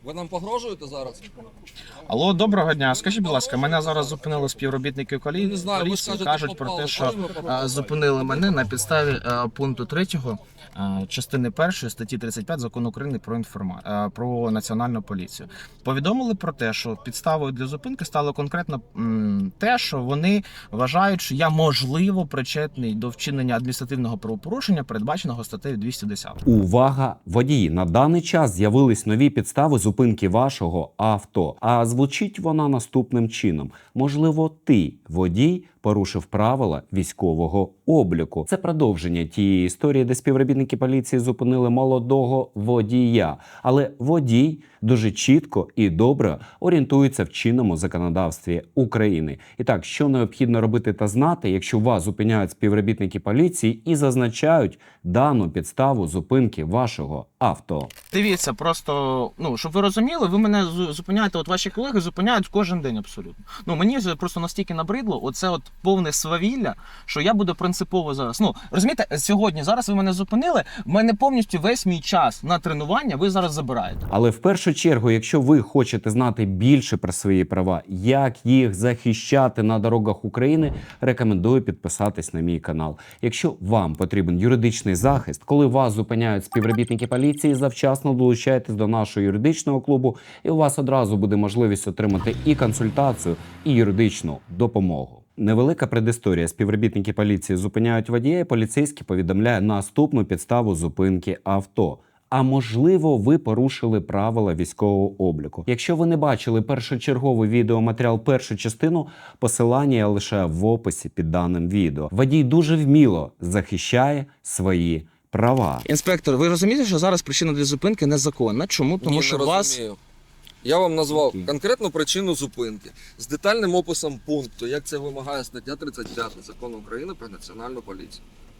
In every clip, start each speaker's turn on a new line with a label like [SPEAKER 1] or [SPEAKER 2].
[SPEAKER 1] Ви нам погрожуєте зараз?
[SPEAKER 2] Алло, доброго дня. Скажіть, будь ласка, мене зараз зупинили співробітники
[SPEAKER 1] Не знаю, ви
[SPEAKER 2] поліції.
[SPEAKER 1] скажете,
[SPEAKER 2] Кажуть про
[SPEAKER 1] попали.
[SPEAKER 2] те, що
[SPEAKER 1] Коли ви попали?
[SPEAKER 2] зупинили мене на підставі пункту 3 частини 1 статті 35 Закону України про національну поліцію. Повідомили про те, що підставою для зупинки стало конкретно те, що вони вважають, що я можливо причетний до вчинення адміністративного правопорушення, передбаченого статтею 210.
[SPEAKER 3] Увага, водії! На даний час з'явились нові підстави зупинки вашого авто. А звучить вона наступним чином. Можливо, ти, водій, порушив правила військового обліку. Це продовження тієї історії, де співробітники поліції зупинили молодого водія. Але водій дуже чітко і добре орієнтується в чинному законодавстві України. І так, що необхідно робити та знати, якщо вас зупиняють співробітники поліції і зазначають дану підставу зупинки вашого авто.
[SPEAKER 2] Дивіться, просто, щоб ви розуміли, ви мене зупиняєте, от ваші колеги зупиняють кожен день абсолютно. Мені вже просто настільки набридло, оце от повне свавілля, що я буду принципово зараз. Розумієте, сьогодні, зараз ви мене зупинили, в мене повністю весь мій час на тренування ви зараз забираєте.
[SPEAKER 3] Але в першу чергу, якщо ви хочете знати більше про свої права, як їх захищати на дорогах України, рекомендую підписатись на мій канал. Якщо вам потрібен юридичний захист, коли вас зупиняють співробітники поліції, завчасно долучайтесь до нашого юридичного клубу, і у вас одразу буде можливість отримати і консультацію, і юридичну допомогу. Невелика предісторія. Співробітники поліції зупиняють водія, і поліцейський повідомляє наступну підставу зупинки авто. А можливо, ви порушили правила військового обліку. Якщо ви не бачили першочерговий відеоматеріал, першу частину, посилання я лишаю в описі під даним відео. Водій дуже вміло захищає свої права.
[SPEAKER 2] Інспектор, ви розумієте, що зараз причина для зупинки незаконна? Чому? Тому що вас...
[SPEAKER 1] Розумію. Я вам назвав конкретну причину зупинки з детальним описом пункту, як це вимагає стаття 35 Закону України про національну поліцію.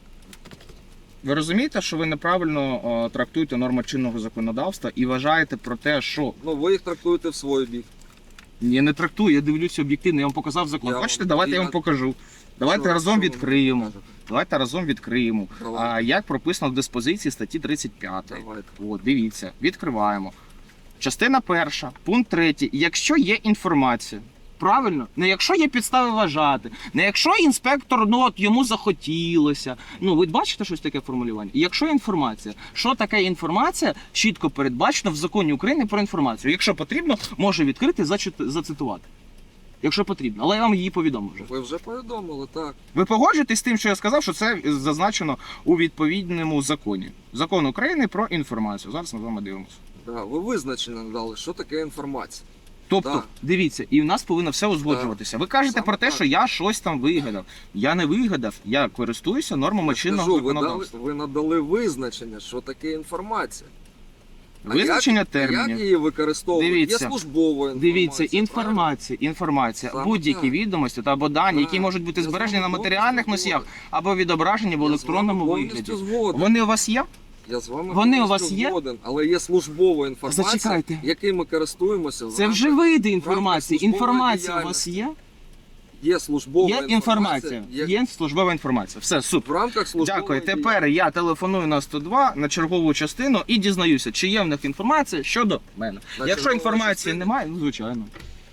[SPEAKER 2] Ви розумієте, що ви неправильно трактуєте норми чинного законодавства і вважаєте про те, що...
[SPEAKER 1] Ви їх трактуєте в свій бік.
[SPEAKER 2] Я не трактую, я дивлюся об'єктивно, я вам показав закон. Хочете, давайте я вам покажу. Давайте разом відкриємо. Давайте разом відкриємо. Як прописано в диспозиції статті 35. От, дивіться, відкриваємо. Частина 1, пункт 3. Якщо є інформація, правильно? Не якщо є підстави вважати, не якщо інспектор, йому захотілося. Ви бачите щось таке формулювання? Якщо інформація. Що таке інформація? Чітко передбачено в Законі України про інформацію. Якщо потрібно, можу відкрити, зацитувати. Якщо потрібно. Але я вам її повідомив вже.
[SPEAKER 1] Ви вже повідомили, так.
[SPEAKER 2] Ви погоджуєтесь з тим, що я сказав, що це зазначено у відповідному законі. Закон України про інформацію. Зараз ми з вами дивимося.
[SPEAKER 1] Да, ви визначення дали, що таке інформація.
[SPEAKER 2] Тобто, дивіться, і в нас повинно все узгоджуватися. Ви кажете про те, що я щось там вигадав. Я не вигадав, я користуюся нормами чинного законодавства.
[SPEAKER 1] Ви надали визначення, що таке інформація.
[SPEAKER 2] Визначення термінів.
[SPEAKER 1] Як її використовують?
[SPEAKER 2] Дивіться,
[SPEAKER 1] Є службова інформація.
[SPEAKER 2] Дивіться, інформація, будь-які відомості або дані, які можуть бути збережені на матеріальних носіях або відображені в електронному вигляді. Вони у вас є?
[SPEAKER 1] Я з вами
[SPEAKER 2] Вони у вас є?
[SPEAKER 1] згоден, але є службова інформація,
[SPEAKER 2] Зачекайте.
[SPEAKER 1] якою ми користуємося.
[SPEAKER 2] Це вже види інформації. Інформація у вас є?
[SPEAKER 1] Є службова інформація.
[SPEAKER 2] Є службова інформація. Все, супер.
[SPEAKER 1] В рамках службової
[SPEAKER 2] Дякую. Тепер я телефоную на 102 на чергову частину і дізнаюся, чи є в них інформація щодо мене. Якщо інформації немає, звичайно.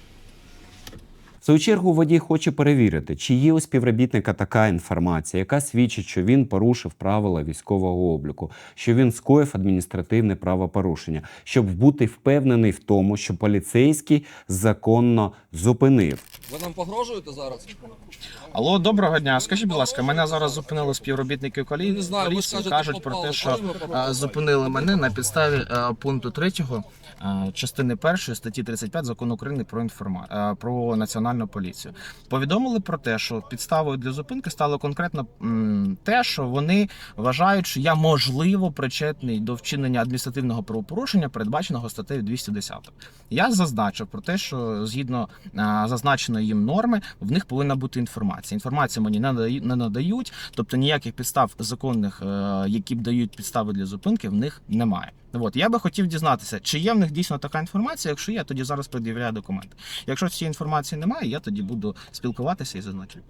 [SPEAKER 3] В свою чергу водій хоче перевірити, чи є у співробітника така інформація, яка свідчить, що він порушив правила військового обліку, що він скоїв адміністративне правопорушення, щоб бути впевнений в тому, що поліцейський законно зупинив.
[SPEAKER 1] Ви нам погрожуєте зараз?
[SPEAKER 2] Алло, доброго дня. Скажіть, будь ласка, мене зараз зупинили співробітники
[SPEAKER 1] Не знаю, ви
[SPEAKER 2] поліції.
[SPEAKER 1] скажете,
[SPEAKER 2] Кажуть про
[SPEAKER 1] попали.
[SPEAKER 2] те, що
[SPEAKER 1] Коли ви попали?
[SPEAKER 2] зупинили мене на підставі пункту 3 частини 1 статті 35 Закону України про національну поліцію. Повідомили про те, що підставою для зупинки стало конкретно те, що вони вважають, що я можливо причетний до вчинення адміністративного правопорушення, передбаченого статтею 210. Я зазначив про те, що згідно зазначеної їм норми, в них повинна бути інформація. Інформацію мені не надають, тобто ніяких підстав законних, які б дають підстави для зупинки, в них немає. Я би хотів дізнатися, чи є в них дійсно така інформація. Якщо є, тоді зараз пред'являю документи. Якщо цієї інформації немає, я тоді буду спілкуватися і зазначити.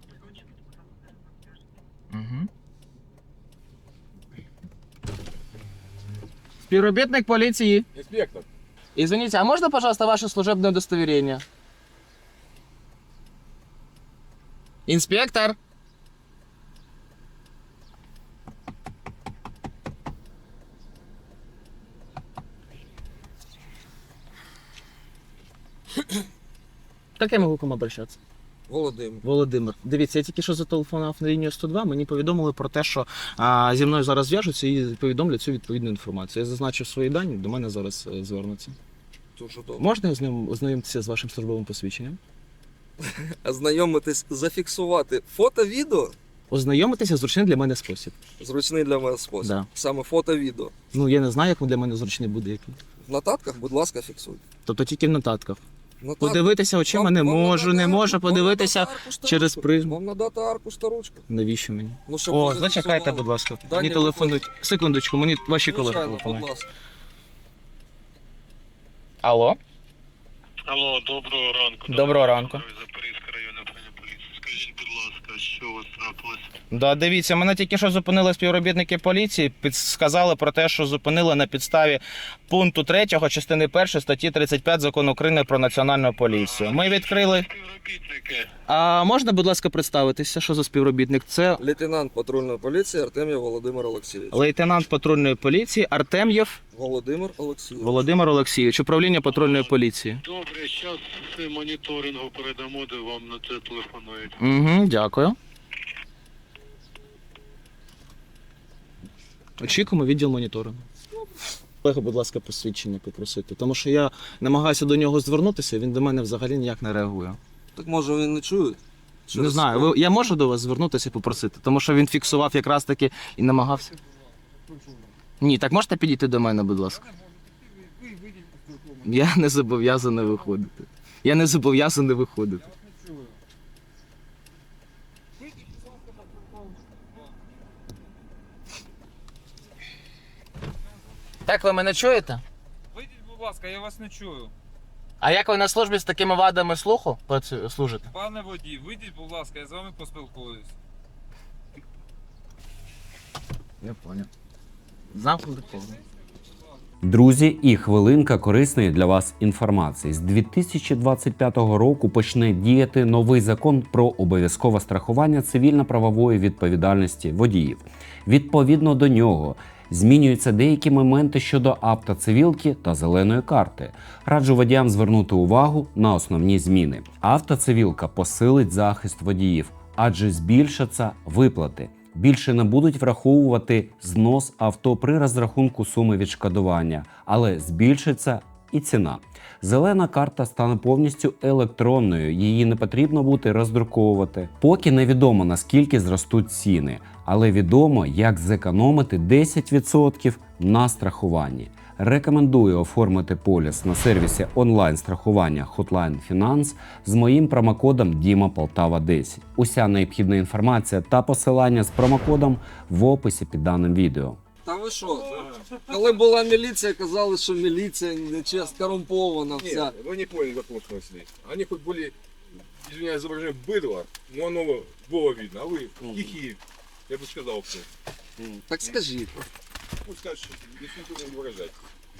[SPEAKER 2] Угу. Співробітник поліції.
[SPEAKER 4] Інспектор,
[SPEAKER 2] Извините, а можно, пожалуйста, ваше служебное удостоверение? Инспектор! Как я могу к вам обращаться?
[SPEAKER 1] Володимир.
[SPEAKER 2] Володимир, дивіться, я тільки що зателефонував на лінію 102, мені повідомили про те, що зі мною зараз зв'яжуться і повідомлять цю відповідну інформацію. Я зазначив свої дані, до мене зараз звернуться.
[SPEAKER 1] Дуже добре.
[SPEAKER 2] Можна ознайомитися з вашим службовим посвідченням?
[SPEAKER 1] Ознайомитись, зафіксувати фото-відео
[SPEAKER 2] Ознайомитися зручний для мене спосіб.
[SPEAKER 1] зручний для мене спосіб.
[SPEAKER 2] Да.
[SPEAKER 1] Саме фото-відео.
[SPEAKER 2] Ну, я не знаю, як для мене зручний буде який.
[SPEAKER 1] В нотатках, будь ласка, фіксуйте.
[SPEAKER 2] Тобто тільки в нотатках.
[SPEAKER 1] Нотатки.
[SPEAKER 2] Подивитися очима
[SPEAKER 1] Вам-
[SPEAKER 2] не
[SPEAKER 1] вам
[SPEAKER 2] можу,
[SPEAKER 1] надати
[SPEAKER 2] не
[SPEAKER 1] арку-
[SPEAKER 2] можу
[SPEAKER 1] вам
[SPEAKER 2] подивитися
[SPEAKER 1] надати аркуш та
[SPEAKER 2] через
[SPEAKER 1] ручку.
[SPEAKER 2] призму.
[SPEAKER 1] Вам надати аркуш та ручку.
[SPEAKER 2] Навіщо мені?
[SPEAKER 1] Ну, щоб
[SPEAKER 2] О,
[SPEAKER 1] ви
[SPEAKER 2] зачекайте,
[SPEAKER 1] зафіксували.
[SPEAKER 2] будь ласка.
[SPEAKER 1] Дані
[SPEAKER 2] Мені телефонують. Секундочку, мені ваші колеги
[SPEAKER 1] Звичайно, будь
[SPEAKER 2] телефонують.
[SPEAKER 1] ласка.
[SPEAKER 2] Алло?
[SPEAKER 4] Алло, доброго ранку.
[SPEAKER 2] Доброго ранку.
[SPEAKER 4] Запорізька районна управління поліції. Скажіть, будь ласка, що у вас трапилось?
[SPEAKER 2] Да, дивіться, мене тільки що зупинили співробітники поліції, сказали про те, що зупинили на підставі пункту 3 частини 1 статті 35 Закону України про національну поліцію. Ми відкрили.
[SPEAKER 4] Співробітники.
[SPEAKER 2] А можна, будь ласка, представитися, що за співробітник? Це
[SPEAKER 1] Лейтенант патрульної поліції Артем'єв Володимир Олексійович.
[SPEAKER 2] лейтенант патрульної поліції Артем'єв
[SPEAKER 1] Володимир Олексійович.
[SPEAKER 2] Володимир Олексійович, управління патрульної поліції.
[SPEAKER 4] Добре, зараз з моніторингу передамо, де вам на це телефонують.
[SPEAKER 2] Угу, дякую. Очікуємо відділ моніторингу. Колега, будь ласка, посвідчення попросити, тому що я намагаюся до нього звернутися, він до мене взагалі ніяк не реагує.
[SPEAKER 1] Так може він не чує?
[SPEAKER 2] Не знаю, я можу до вас звернутися і попросити, тому що він фіксував якраз таки і намагався. Ні, так можете підійти до мене, будь ласка? Я не зобов'язаний виходити. Я не зобов'язаний виходити. Так, ви мене чуєте?
[SPEAKER 5] Вийдіть, будь ласка, я вас не чую.
[SPEAKER 2] А як ви на службі з такими вадами слуху служите?
[SPEAKER 5] Пане водій, вийдіть, будь ласка, я з вами поспілкуюсь.
[SPEAKER 2] Я понял. Замкнути коло.
[SPEAKER 3] Друзі, і хвилинка корисної для вас інформації. З 2025 року почне діяти новий закон про обов'язкове страхування цивільно-правової відповідальності водіїв. Відповідно до нього змінюються деякі моменти щодо автоцивілки та зеленої карти. Раджу водіям звернути увагу на основні зміни. Автоцивілка посилить захист водіїв, адже збільшаться виплати. Більше не будуть враховувати знос авто при розрахунку суми відшкодування, але збільшиться і ціна. Зелена карта стане повністю електронною, її не потрібно буде роздруковувати. Поки невідомо, наскільки зростуть ціни, але відомо, як зекономити 10% на страхуванні. Рекомендую оформити поліс на сервісі онлайн-страхування Hotline Finance з моїм промокодом DIMAPOLTAVA10. Уся необхідна інформація та посилання з промокодом в описі під даним відео.
[SPEAKER 1] Та ви що? Коли була міліція, казали, що міліція нечесно, корумпована вся.
[SPEAKER 6] Нет, вы не поняли вопрос мысли. Они хоть были, извиняюсь, изображение быдла, но оно было видно, а вы тихие, я бы сказал, что.
[SPEAKER 1] Так скажіть.
[SPEAKER 6] Пусть скажешь, если никто не выражать.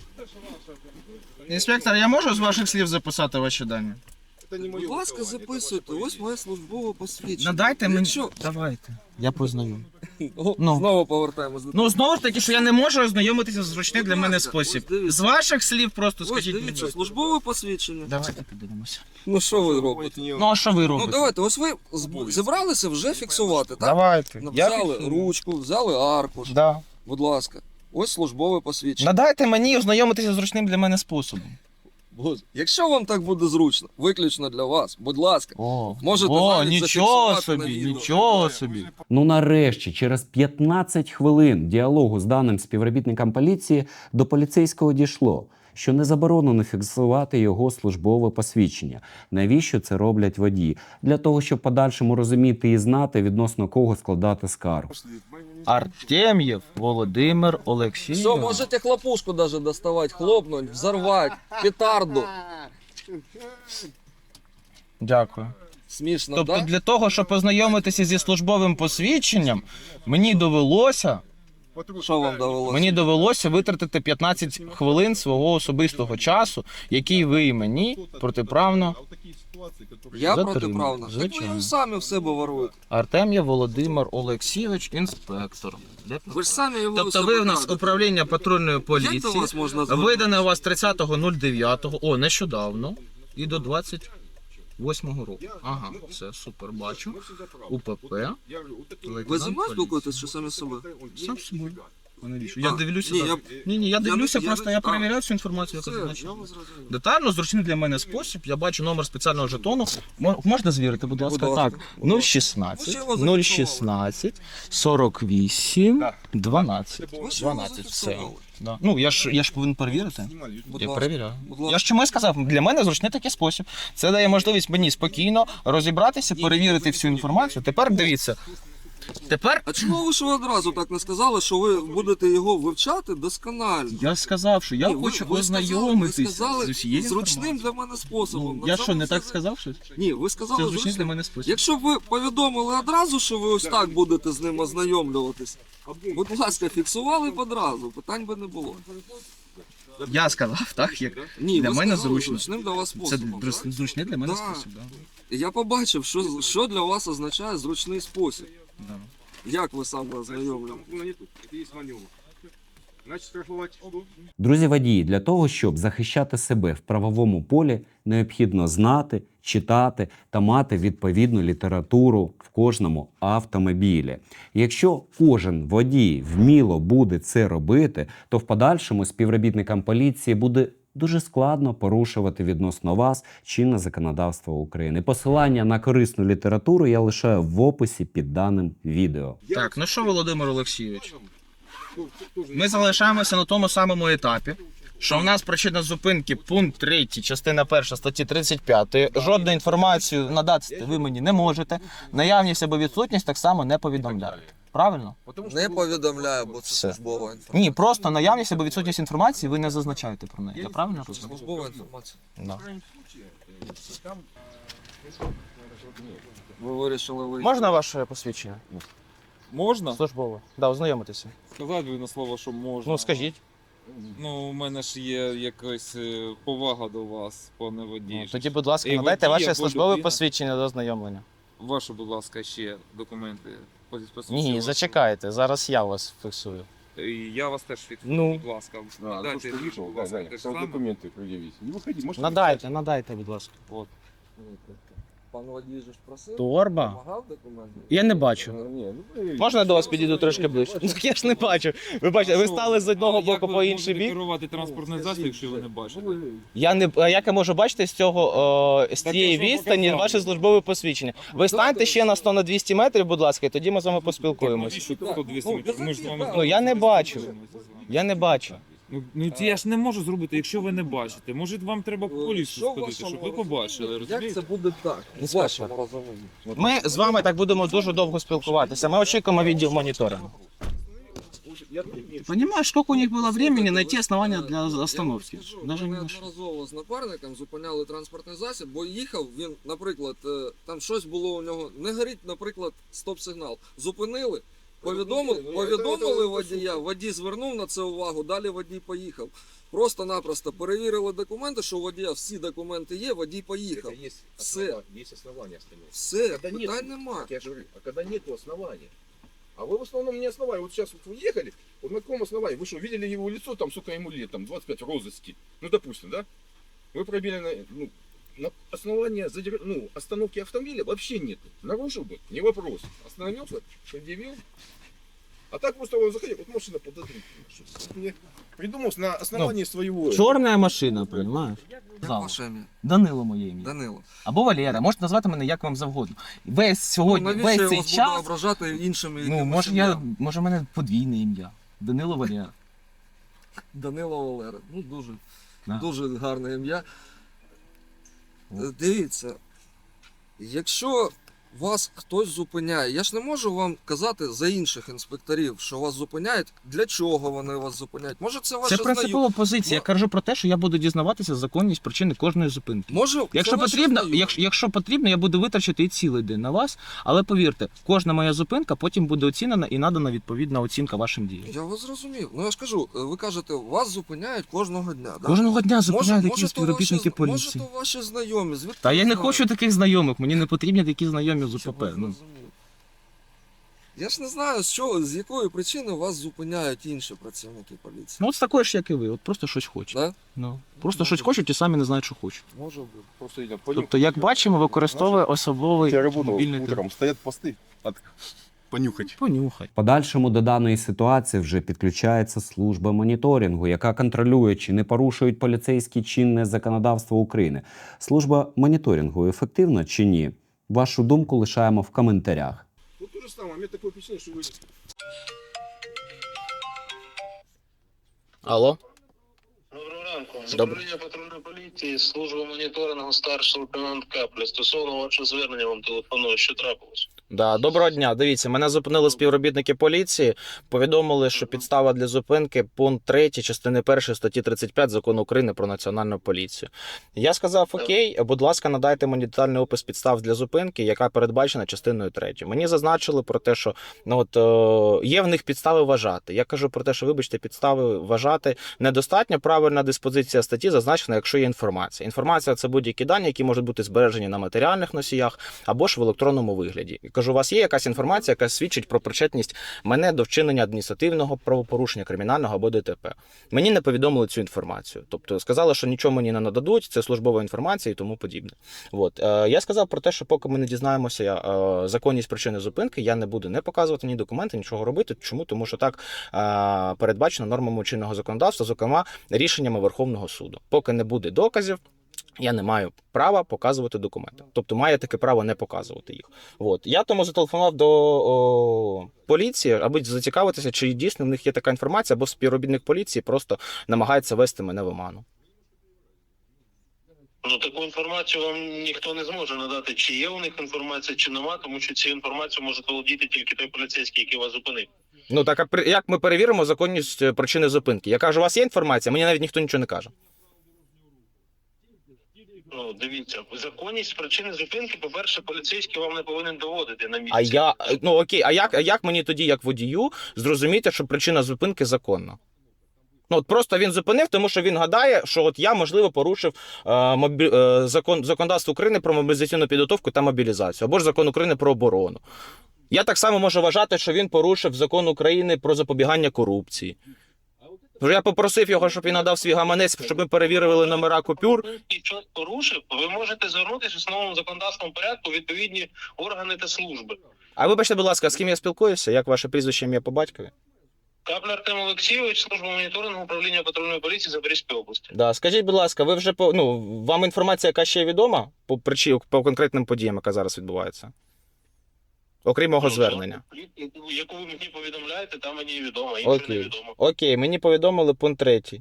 [SPEAKER 2] Інспектор, я можу з ваших слів записати ваші дані?
[SPEAKER 6] Это не мое
[SPEAKER 1] Будь ласка,
[SPEAKER 6] высказывание, это
[SPEAKER 1] записуйте.
[SPEAKER 6] ваше
[SPEAKER 1] Ось моє службове посвідчення.
[SPEAKER 2] Надайте мені.
[SPEAKER 1] Якщо...
[SPEAKER 2] Давайте. Я познайомлю.
[SPEAKER 1] О,
[SPEAKER 2] Ну.
[SPEAKER 1] Знову повертаємось до
[SPEAKER 2] Ну, знову ж таки, що я не можу ознайомитися з зручний для мене спосіб.
[SPEAKER 1] Ось дивіться.
[SPEAKER 2] З ваших слів просто
[SPEAKER 1] Ось
[SPEAKER 2] скажіть
[SPEAKER 1] дивіться,
[SPEAKER 2] мені.
[SPEAKER 1] службове посвідчення.
[SPEAKER 2] Давайте подивимося.
[SPEAKER 1] Ну що ви робите?
[SPEAKER 2] Ну, а що ви
[SPEAKER 1] Ну
[SPEAKER 2] робите?
[SPEAKER 1] давайте, ось ви зібралися вже фіксувати, так?
[SPEAKER 2] Давайте.
[SPEAKER 1] Ну,
[SPEAKER 2] Я
[SPEAKER 1] взяли
[SPEAKER 2] фіксую.
[SPEAKER 1] ручку, взяли аркуш.
[SPEAKER 2] Да.
[SPEAKER 1] Будь ласка. Ось службове посвідчення.
[SPEAKER 2] Надайте мені ознайомитися з зручним для мене способом.
[SPEAKER 1] Боже, якщо вам так буде зручно, виключно для вас, будь ласка.
[SPEAKER 2] О,
[SPEAKER 1] Можете
[SPEAKER 2] о,
[SPEAKER 1] навіть
[SPEAKER 2] нічого
[SPEAKER 1] зафіксувати на
[SPEAKER 2] собі,
[SPEAKER 1] відео.
[SPEAKER 2] нічого собі.
[SPEAKER 3] Ну нарешті, через 15 хвилин діалогу з даним співробітником поліції до поліцейського дійшло, що не заборонено фіксувати його службове посвідчення. Навіщо це роблять водії? Для того, щоб в подальшому розуміти і знати, відносно кого складати скаргу.
[SPEAKER 2] Артем'єв Володимир Олексійович.
[SPEAKER 1] Все, можете хлопушку даже доставать, хлопнуть, взорвать, петарду.
[SPEAKER 2] Дякую.
[SPEAKER 1] Смішно,
[SPEAKER 2] Тобто
[SPEAKER 1] да?
[SPEAKER 2] для того, щоб познайомитися зі службовим посвідченням, мені довелося
[SPEAKER 1] Що вам довелося?
[SPEAKER 2] Мені довелося витратити 15 хвилин свого особистого часу, який ви мені протиправно.
[SPEAKER 1] Я
[SPEAKER 2] Затримано.
[SPEAKER 1] протиправно. Так ви
[SPEAKER 2] Звичайно.
[SPEAKER 1] його самі в себе воруєте.
[SPEAKER 2] Артем'я Володимир Олексійович, інспектор.
[SPEAKER 1] Ви ж самі його
[SPEAKER 2] Тобто
[SPEAKER 1] в
[SPEAKER 2] ви
[SPEAKER 1] себе
[SPEAKER 2] в нас
[SPEAKER 1] крадете.
[SPEAKER 2] управління патрульної
[SPEAKER 1] Як до
[SPEAKER 2] поліції.
[SPEAKER 1] вас можна звернутися?
[SPEAKER 2] Видане у вас 30.09, нещодавно, і до 28-го року. Ага, все, супер, бачу. УПП.
[SPEAKER 1] Ви зі мною спілкуєтесь чи самі з собою?
[SPEAKER 2] Сам з собою. Я дивлюся.
[SPEAKER 1] ні,
[SPEAKER 2] так.
[SPEAKER 1] я-
[SPEAKER 2] Ні, я дивлюся,
[SPEAKER 1] я-
[SPEAKER 2] просто
[SPEAKER 1] я-
[SPEAKER 2] я перевіряю всю інформацію,
[SPEAKER 1] Все,
[SPEAKER 2] яка
[SPEAKER 1] я
[SPEAKER 2] зазначена.
[SPEAKER 1] вас зрозумів.
[SPEAKER 2] Детально, зручний для мене спосіб. Я бачу номер спеціального жетону. Можна звірити, будь ласка.
[SPEAKER 1] Будь ласка.
[SPEAKER 2] Так,
[SPEAKER 1] Будь ласка.
[SPEAKER 2] 016
[SPEAKER 1] Ви ще його
[SPEAKER 2] 016 48
[SPEAKER 6] Так.
[SPEAKER 2] 12.
[SPEAKER 1] Ви ж його
[SPEAKER 2] 12, все.
[SPEAKER 1] зафіксували.
[SPEAKER 2] Да. Ну, я ж повинен перевірити.
[SPEAKER 1] Будь
[SPEAKER 2] Я
[SPEAKER 1] ласка.
[SPEAKER 2] перевіряю.
[SPEAKER 1] Будь ласка.
[SPEAKER 2] Я ж чому і сказав, для мене зручний такий спосіб. Це дає можливість мені спокійно розібратися, перевірити всю інформацію. Тепер дивіться. Тепер
[SPEAKER 1] А чому ви ж ви одразу так не сказали, що ви будете його вивчати досконально?
[SPEAKER 2] я сказав, що я
[SPEAKER 1] Ні, ви-
[SPEAKER 2] хочу
[SPEAKER 1] ви
[SPEAKER 2] ознайомитися
[SPEAKER 1] ви сказали
[SPEAKER 2] з усією
[SPEAKER 1] зручним
[SPEAKER 2] інформацією.
[SPEAKER 1] для мене способом.
[SPEAKER 2] Ну, я
[SPEAKER 1] На
[SPEAKER 2] що, не
[SPEAKER 1] цьому
[SPEAKER 2] так
[SPEAKER 1] все-
[SPEAKER 2] сказав щось?
[SPEAKER 1] Ні, ви сказали
[SPEAKER 2] Це зручний для
[SPEAKER 1] зручним.
[SPEAKER 2] мене спосіб.
[SPEAKER 1] Якщо б ви повідомили одразу, що ви ось так будете з ним ознайомлюватись, будь ласка, фіксували б одразу, питань би не було.
[SPEAKER 2] Я сказав, так, як
[SPEAKER 1] Ні,
[SPEAKER 2] для
[SPEAKER 1] ви
[SPEAKER 2] мене
[SPEAKER 1] сказали,
[SPEAKER 2] зручно.
[SPEAKER 1] зручним для вас
[SPEAKER 2] Це
[SPEAKER 1] способом. так?
[SPEAKER 2] зручний для мене
[SPEAKER 1] Да.
[SPEAKER 2] спосіб. Да.
[SPEAKER 1] І я побачив, що для вас означає зручний спосіб.
[SPEAKER 2] Да.
[SPEAKER 1] Як ви саме ознайомлюєте?
[SPEAKER 6] Значит, штрафовать.
[SPEAKER 3] Друзі водії, для того, щоб захищати себе в правовому полі, необхідно знати, читати та мати відповідну літературу в кожному автомобілі. Якщо кожен водій вміло буде це робити, то в подальшому співробітникам поліції буде дуже складно порушувати відносно вас чинне законодавство України. Посилання на корисну літературу я лишаю в описі під даним відео.
[SPEAKER 2] Так, ну що, Володимир Олексійович, ми залишаємося на тому самому етапі, що в нас причина зупинки пункт 3, частина 1 статті 35. Жодну інформацію надати ви мені не можете. Наявність або відсутність так само не повідомляєте. Правильно?
[SPEAKER 1] Не повідомляю, бо це
[SPEAKER 2] Все.
[SPEAKER 1] службова інформація.
[SPEAKER 2] Ні, просто наявність або відсутність інформації ви не зазначаєте про неї. Я правильно розумію?
[SPEAKER 1] Службова інформація.
[SPEAKER 2] Да.
[SPEAKER 1] Ви вирішили вийти.
[SPEAKER 2] Можна ваше посвідчення?
[SPEAKER 5] Можна?
[SPEAKER 2] Службове. Да, ознайомитися.
[SPEAKER 5] Сказати ви на слово, що можна.
[SPEAKER 2] Ну, скажіть.
[SPEAKER 5] Ну, у мене ж є якась повага до вас, пане водій.
[SPEAKER 2] Ну, тоді, будь ласка,
[SPEAKER 5] І
[SPEAKER 2] надайте
[SPEAKER 5] водій
[SPEAKER 2] ваше
[SPEAKER 5] або
[SPEAKER 2] службове
[SPEAKER 5] людина.
[SPEAKER 2] посвідчення до ознайомлення.
[SPEAKER 5] Ваші, будь ласка, ще документи.
[SPEAKER 2] Ні, зачекайте, зараз я вас фіксую.
[SPEAKER 5] Я вас теж фіксую,
[SPEAKER 2] Ну.
[SPEAKER 5] будь ласка.
[SPEAKER 6] Да, то,
[SPEAKER 5] Дайте,
[SPEAKER 6] что вышел,
[SPEAKER 5] будь
[SPEAKER 6] да,
[SPEAKER 5] ласка,
[SPEAKER 6] да,
[SPEAKER 5] те ж
[SPEAKER 6] там
[SPEAKER 5] саме.
[SPEAKER 6] документы предъявить. Не выходи, можешь...
[SPEAKER 2] Надайте, будь ласка.
[SPEAKER 1] Пан водій же ж просив.
[SPEAKER 2] Торба?
[SPEAKER 1] Вимагав документи?
[SPEAKER 2] Я не бачу.
[SPEAKER 6] Не, ну вы...
[SPEAKER 2] Можна я до вас підійду трошки ближче? Ну, я ж не бачу. Ви бачите, ви стали з одного боку по інший бік.
[SPEAKER 5] керувати транспортний засіб, якщо ви не бачите?
[SPEAKER 2] Я не а як я можу бачити з цього з
[SPEAKER 5] Так
[SPEAKER 2] цієї
[SPEAKER 5] я ж вам
[SPEAKER 2] відстані
[SPEAKER 5] показав.
[SPEAKER 2] ваше службове посвідчення? Ви станьте ще на 100-200 метрів, будь ласка, і тоді ми з вами поспілкуємось.
[SPEAKER 5] Навіщо тут 200 метрів? Ми ж з вами
[SPEAKER 2] Ну, я не бачу. Я не бачу.
[SPEAKER 5] Ну це я ж не можу зробити, якщо ви не бачите. Може вам треба в
[SPEAKER 1] Що
[SPEAKER 5] поліцію
[SPEAKER 1] в
[SPEAKER 5] сходити,
[SPEAKER 1] вашому
[SPEAKER 5] щоб ви
[SPEAKER 1] розумінні?
[SPEAKER 5] побачили,
[SPEAKER 1] Як
[SPEAKER 5] розумієте?
[SPEAKER 1] це буде так? В
[SPEAKER 2] Інспектор.
[SPEAKER 1] вашому розумінні.
[SPEAKER 2] Ми з вами так будемо дуже довго спілкуватися. Ми очікуємо відділ моніторингу. Понимаешь, сколько у них было времени найти основания для остановки? Даже
[SPEAKER 1] Ми
[SPEAKER 2] не нашли.
[SPEAKER 1] неодноразово з напарником зупиняли транспортний засіб, бо їхав він, наприклад, там щось було у нього, не горить, наприклад, стоп-сигнал. Зупинили, повідомили водія, водій звернув на це увагу, далі водій поїхав. Просто-напросто перевірили документи, що у водія всі документи є, водій поїхав. Все.
[SPEAKER 6] Есть основания остановиться.
[SPEAKER 1] Все,
[SPEAKER 6] Когда нет,
[SPEAKER 1] питань нема.
[SPEAKER 6] Я же говорю, а когда нету основания. А вы в основном не основания. Вот сейчас вот вы ехали, вот на каком основании? Вы что, видели его лицо, там, сколько ему лет, там, 25 в розыске? Ну, допустим, да? Вы пробили на основании остановки автомобиля вообще нет. Нарушил бы, не вопрос. Остановился, предъявил. А так просто он заходил, вот машина подозрительная. Придумал на основании своего...
[SPEAKER 2] Чорна машина, понимаєш?
[SPEAKER 1] Як ваше ім'я?
[SPEAKER 2] Данило моє ім'я.
[SPEAKER 1] Данило.
[SPEAKER 2] Або Валера, можете назвати мене як вам завгодно. Весь сьогодні,
[SPEAKER 1] Навіщо
[SPEAKER 2] весь
[SPEAKER 1] я
[SPEAKER 2] цей
[SPEAKER 1] вас буду
[SPEAKER 2] час.
[SPEAKER 1] ображати іншими
[SPEAKER 2] Ну,
[SPEAKER 1] якимось
[SPEAKER 2] може в мене подвійне ім'я. Данило Валера.
[SPEAKER 1] Данило Валера. Ну, дуже,
[SPEAKER 2] Да.
[SPEAKER 1] дуже гарне ім'я. Дивіться, якщо вас хтось зупиняє. Я ж не можу вам казати за інших інспекторів, що вас зупиняють, для чого вони вас зупиняють. Може це ваші
[SPEAKER 2] Це принципова позиція. Я кажу про те, що я буду дізнаватися законність причини кожної зупинки.
[SPEAKER 1] Може,
[SPEAKER 2] Якщо
[SPEAKER 1] це ваші
[SPEAKER 2] потрібно,
[SPEAKER 1] знайомі.
[SPEAKER 2] якщо потрібно, я буду витрачати і цілий день на вас, але повірте, кожна моя зупинка потім буде оцінена і надана відповідна оцінка вашим діям.
[SPEAKER 1] Я вас зрозумів. Ну я ж кажу, ви кажете, вас зупиняють кожного дня. Да?
[SPEAKER 2] Кожного дня зупиняють
[SPEAKER 1] Може,
[SPEAKER 2] якісь співробітники
[SPEAKER 1] Може,
[SPEAKER 2] поліції.
[SPEAKER 1] то ваші знайомі. Звідки
[SPEAKER 2] Та я
[SPEAKER 1] ви
[SPEAKER 2] не
[SPEAKER 1] знаєте?
[SPEAKER 2] хочу таких знайомих, мені не потрібні такі знайомі з
[SPEAKER 1] Чого
[SPEAKER 2] УПП.
[SPEAKER 1] ви
[SPEAKER 2] Ну.
[SPEAKER 1] зрозуміли? Я ж не знаю, з якої причини вас зупиняють інші працівники поліції.
[SPEAKER 2] Ну от з такої ж, як і ви, от просто щось хочуть.
[SPEAKER 1] Да?
[SPEAKER 2] Ну, просто щось хочуть і самі не знають, що хочуть.
[SPEAKER 1] Може бути.
[SPEAKER 6] Просто идем.
[SPEAKER 2] Тобто, як бачимо, використовує особливий
[SPEAKER 6] Я работал
[SPEAKER 2] мобільний телефон.
[SPEAKER 6] утром, стоят посты. Понюхать.
[SPEAKER 2] Понюхай.
[SPEAKER 3] В подальшому до даної ситуації вже підключається служба моніторингу, яка контролює, чи не порушують поліцейські чинне законодавство України. Служба моніторингу ефективна чи ні? Вашу думку лишаємо в коментарях.
[SPEAKER 6] Ну то же самое, у меня такое впечатление, что вы...
[SPEAKER 2] Алло?
[SPEAKER 4] Доброго ранку. З
[SPEAKER 2] Добре.
[SPEAKER 4] управління патрульної поліції, служба моніторингу старший лейтенант Капля. Стосовно вашого звернення вам телефоную, що трапилось?
[SPEAKER 2] Да, доброго дня. Дивіться, мене зупинили співробітники поліції, повідомили, що підстава для зупинки пункт 3 частини 1 статті 35 Закону України про національну поліцію. Я сказав: окей, будь ласка, надайте мені детальний опис підстав для зупинки, яка передбачена частиною 3. Мені зазначили про те, що є в них підстави вважати. Я кажу про те, що, вибачте, підстави вважати недостатньо. Правильна диспозиція статті зазначена, якщо є інформація. Інформація – це будь-які дані, які можуть бути збережені на матеріальних носіях або ж в електронному вигляді. Кажу, у вас є якась інформація, яка свідчить про причетність мене до вчинення адміністративного правопорушення, кримінального або ДТП. Мені не повідомили цю інформацію. Тобто сказали, що нічого мені не нададуть, це службова інформація і тому подібне. От. Я сказав про те, що поки ми не дізнаємося законність причини зупинки, я не буду не показувати ні документи, нічого робити. Чому? Тому що так передбачено нормами чинного законодавства, зокрема рішеннями Верховного суду. Поки не буде доказів, я не маю права показувати документи. Тобто має таке право не показувати їх. От. Я тому зателефонував до поліції, аби зацікавитися, чи дійсно в них є така інформація, або співробітник поліції просто намагається вести мене в оману.
[SPEAKER 4] Ну, таку інформацію вам ніхто не зможе надати, чи є у них інформація, чи нема, тому що цю інформацію може володіти тільки той поліцейський, який вас зупинив.
[SPEAKER 2] Ну так, а як ми перевіримо законність причини зупинки? Я кажу, у вас є інформація? Мені навіть ніхто нічого не каже.
[SPEAKER 4] Ну, дивіться, законність причини зупинки, по-перше, поліцейський вам не повинен доводити на місці.
[SPEAKER 2] Окей, а як мені тоді, як водію, зрозуміти, що причина зупинки законна? Ну, от просто він зупинив, тому що він гадає, що от я, можливо, порушив законодавство України про мобілізаційну підготовку та мобілізацію, або ж закон України про оборону. Я так само можу вважати, що він порушив закон України про запобігання корупції. Тож я попросив його, щоб він надав свій гаманець, щоб ми перевірили номера купюр.
[SPEAKER 4] І щось порушив, ви можете звернутися в основному законодавчому порядку у відповідні органи та служби.
[SPEAKER 2] А вибачте, будь ласка, з ким я спілкуюся? Як ваше прізвище, ім'я по батькові?
[SPEAKER 4] Капля Артем Олексійович, служба моніторингу управління патрульної поліції Запорізької області.
[SPEAKER 2] Да, скажіть, будь ласка, ви вже вам інформація, яка ще відома по конкретним подіям, яка зараз відбувається? Окрім мого звернення.
[SPEAKER 4] Яку ви мені повідомляєте, там мені відомо, інше не відомо.
[SPEAKER 2] Окей, мені повідомили пункт 3.
[SPEAKER 4] Так.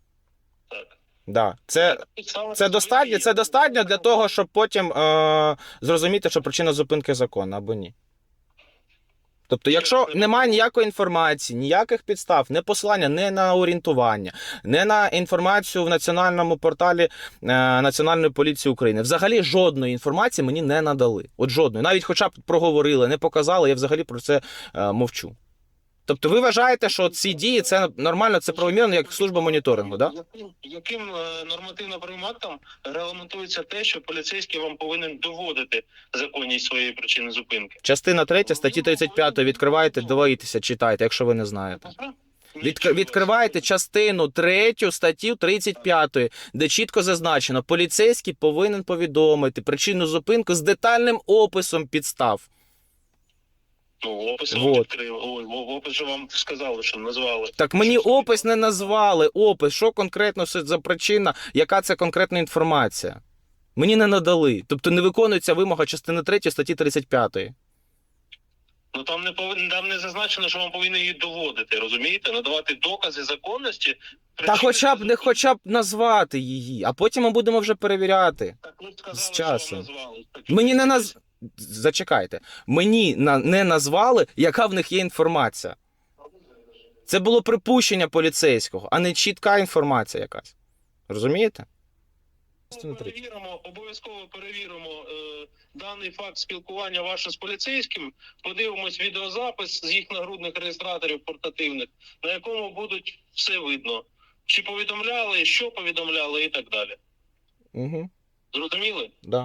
[SPEAKER 2] Да. Це достатньо для того, щоб потім зрозуміти, що причина зупинки законна або ні. Тобто, якщо немає ніякої інформації, ніяких підстав, не посилання, не на орієнтування, не на інформацію в національному порталі Національної поліції України, взагалі жодної інформації мені не надали. От жодної. Навіть хоча б проговорили, не показали, я взагалі про це мовчу. Тобто ви вважаєте, що ці дії, це нормально, це правомірно, як служба моніторингу, так? Да?
[SPEAKER 4] Яким нормативно-правовим актом регламентується те, що поліцейський вам повинен доводити законність своєї причини зупинки?
[SPEAKER 2] Частина 3 статті 35 відкриваєте, дивіться, читайте, якщо ви не знаєте. Відкриваєте частину 3 статтю 35, де чітко зазначено, поліцейський повинен повідомити причину зупинки з детальним описом підстав.
[SPEAKER 4] Ну, опис вам відкрив. Опис же вам сказали, що назвали.
[SPEAKER 2] Так мені опис не назвали. Опис, що конкретно за причина, яка це конкретна інформація. Мені не надали. Тобто не виконується вимога частини 3 статті 35.
[SPEAKER 4] Ну там не зазначено, що вам повинні її доводити, розумієте? Надавати докази законності.
[SPEAKER 2] Та хоча б назвати її, а потім ми будемо вже перевіряти.
[SPEAKER 4] Так ви сказали,
[SPEAKER 2] з часом.
[SPEAKER 4] що вам назвали.
[SPEAKER 2] Зачекайте. Мені не назвали, яка в них є інформація. Це було припущення поліцейського, а не чітка інформація якась. Розумієте?
[SPEAKER 4] Обов'язково перевіримо даний факт спілкування ваше з поліцейським, подивимось відеозапис з їх нагрудних реєстраторів портативних, на якому будуть все видно. Чи повідомляли, що повідомляли і так далі.
[SPEAKER 2] Угу.
[SPEAKER 4] Зрозуміли?
[SPEAKER 2] Да.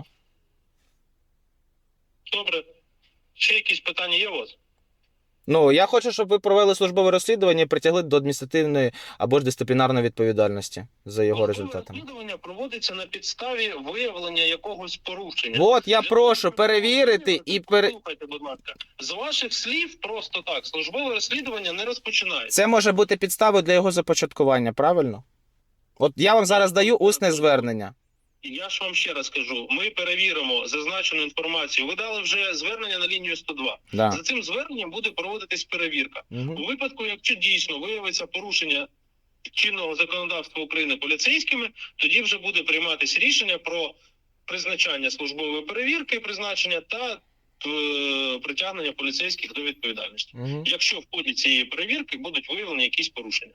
[SPEAKER 4] Добре. Ще якісь питання є у вас?
[SPEAKER 2] Ну, я хочу, щоб ви провели службове розслідування і притягли до адміністративної або ж дисциплінарної відповідальності за його
[SPEAKER 4] Службове
[SPEAKER 2] результатами.
[SPEAKER 4] розслідування проводиться на підставі виявлення якогось порушення.
[SPEAKER 2] От, я
[SPEAKER 4] Для
[SPEAKER 2] прошу
[SPEAKER 4] того, щоб
[SPEAKER 2] перевірити і
[SPEAKER 4] Послухайте, будь ласка. З ваших слів просто так, службове розслідування не розпочинається.
[SPEAKER 2] Це може бути підставою для його започаткування, правильно? От я вам зараз даю усне звернення.
[SPEAKER 4] Я ж вам ще раз кажу, ми перевіримо зазначену інформацію. Ви дали вже звернення на лінію 102.
[SPEAKER 2] Да.
[SPEAKER 4] За цим зверненням буде проводитись перевірка.
[SPEAKER 2] Угу.
[SPEAKER 4] У випадку, якщо дійсно виявиться порушення чинного законодавства України поліцейськими, тоді вже буде прийматися рішення про призначання службової перевірки, призначення та притягнення поліцейських до відповідальності.
[SPEAKER 2] Угу.
[SPEAKER 4] Якщо в ході цієї перевірки будуть виявлені якісь порушення.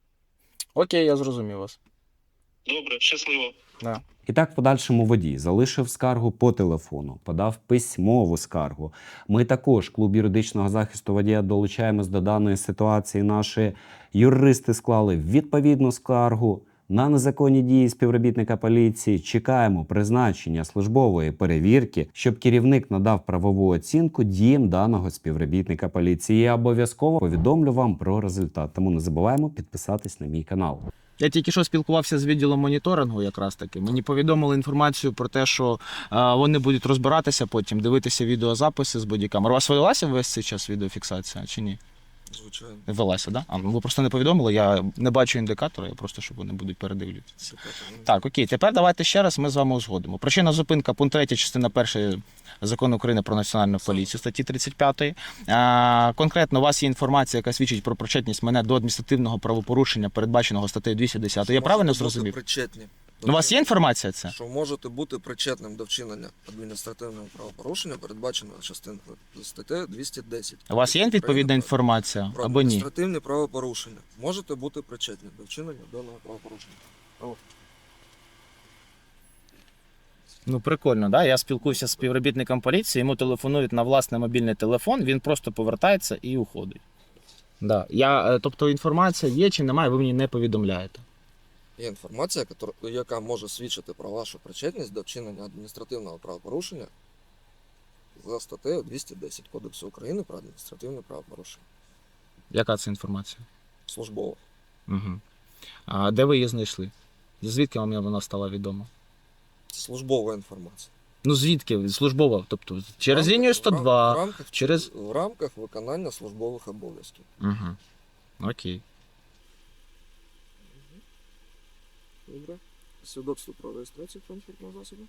[SPEAKER 2] Окей, я зрозумів вас.
[SPEAKER 4] Добре, щасливо.
[SPEAKER 2] Да.
[SPEAKER 3] І так, в подальшому водій залишив скаргу по телефону, подав письмову скаргу. Ми також, клуб юридичного захисту водія, долучаємось до даної ситуації. Наші юристи склали відповідну скаргу на незаконні дії співробітника поліції. Чекаємо призначення службової перевірки, щоб керівник надав правову оцінку діям даного співробітника поліції. Я обов'язково повідомлю вам про результат. Тому не забуваємо підписатись на мій канал.
[SPEAKER 2] Я тільки що спілкувався з відділом моніторингу якраз таки. Мені повідомили інформацію про те, що вони будуть розбиратися потім, дивитися відеозаписи з бодікамер. У вас велася весь цей час відеофіксація чи ні?
[SPEAKER 1] Звичайно.
[SPEAKER 2] Велася, да? А, ну ви просто не повідомили, я не бачу індикатора, я просто, щоб вони будуть передивлюватися. Так, окей, тепер давайте ще раз ми з вами узгодимо. Причина зупинка, пункт 3, частина 1 Закону України про національну поліцію, статті 35. Конкретно у вас є інформація, яка свідчить про причетність мене до адміністративного правопорушення, передбаченого статтею 210. Я правильно зрозумів?
[SPEAKER 1] Причетні.
[SPEAKER 2] У вас є інформація це?
[SPEAKER 1] Що можете бути причетним до вчинення адміністративного правопорушення, передбаченого частиною статтею 210.
[SPEAKER 2] У вас є відповідна інформація
[SPEAKER 1] про
[SPEAKER 2] або ні?
[SPEAKER 1] адміністративні правопорушення. Можете бути причетні до вчинення даного правопорушення.
[SPEAKER 2] Ну, прикольно, да? Я спілкуюся з співробітником поліції, йому телефонують на власний мобільний телефон, він просто повертається і уходить. Да. Тобто інформація є чи немає, ви мені не повідомляєте.
[SPEAKER 1] Є інформація, яка може свідчити про вашу причетність до вчинення адміністративного правопорушення за статтею 210 Кодексу України про адміністративне правопорушення.
[SPEAKER 2] Яка це інформація?
[SPEAKER 1] Службово.
[SPEAKER 2] Угу. А де ви її знайшли? Звідки вам вона стала відома?
[SPEAKER 1] Це службова інформація.
[SPEAKER 2] Ну звідки? Службова, тобто через лінію 102, через...
[SPEAKER 1] В рамках виконання службових обов'язків.
[SPEAKER 2] Угу. Окей.
[SPEAKER 1] Добре. Свідоцтво про реєстрацію транспортного засобу.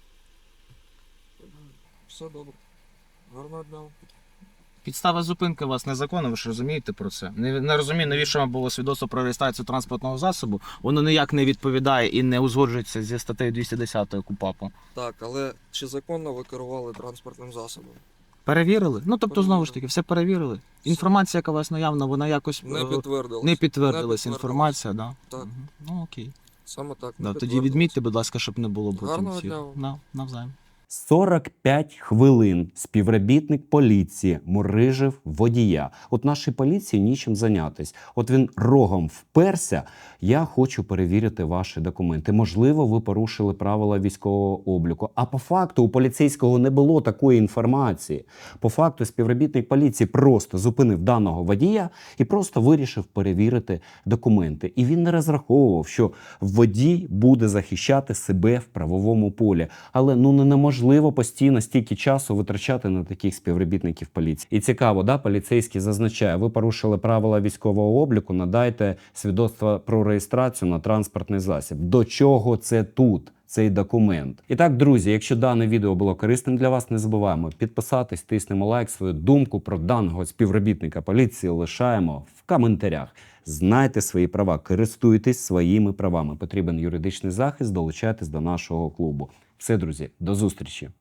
[SPEAKER 1] Все добре. Гарного дня.
[SPEAKER 2] Підстава зупинки у вас незаконна, ви ж розумієте про це? Не розумію, навіщо вам було свідоцтво про реєстрацію транспортного засобу. Воно ніяк не відповідає і не узгоджується зі статтею 210 КУпАПу.
[SPEAKER 1] Так, але чи законно ви керували транспортним засобом?
[SPEAKER 2] Перевірили? Ну, тобто,
[SPEAKER 1] Перевірили.
[SPEAKER 2] знову ж таки, все перевірили. Інформація, яка у вас наявна, вона якось
[SPEAKER 1] Не підтвердилось.
[SPEAKER 2] не підтвердилась інформація, да?
[SPEAKER 1] Так.
[SPEAKER 2] Мгм. Ну, окей.
[SPEAKER 1] Саме так.
[SPEAKER 2] Да,
[SPEAKER 1] не
[SPEAKER 2] тоді
[SPEAKER 1] підтвердилось.
[SPEAKER 2] відмітьте, будь ласка, щоб не було потім
[SPEAKER 1] Гарного
[SPEAKER 2] цих.
[SPEAKER 1] дня вам.
[SPEAKER 2] Навзаєм.
[SPEAKER 3] 45 хвилин співробітник поліції мурижив водія. От нашій поліції нічим зайнятись. От він рогом вперся. Я хочу перевірити ваші документи. Можливо, ви порушили правила військового обліку. А по факту у поліцейського не було такої інформації. По факту співробітник поліції просто зупинив даного водія і просто вирішив перевірити документи. І він не розраховував, що водій буде захищати себе в правовому полі. Але неможливо постійно стільки часу витрачати на таких співробітників поліції. І цікаво, да, поліцейський зазначає, ви порушили правила військового обліку, надайте свідоцтво про реєстрацію на транспортний засіб. До чого це тут? Цей документ. І так, друзі, якщо дане відео було корисним для вас, не забуваємо підписатись, тиснемо лайк, свою думку про даного співробітника поліції лишаємо в коментарях. Знайте свої права, користуйтесь своїми правами. Потрібен юридичний захист, долучайтесь до нашого клубу. Все, друзі, до зустрічі!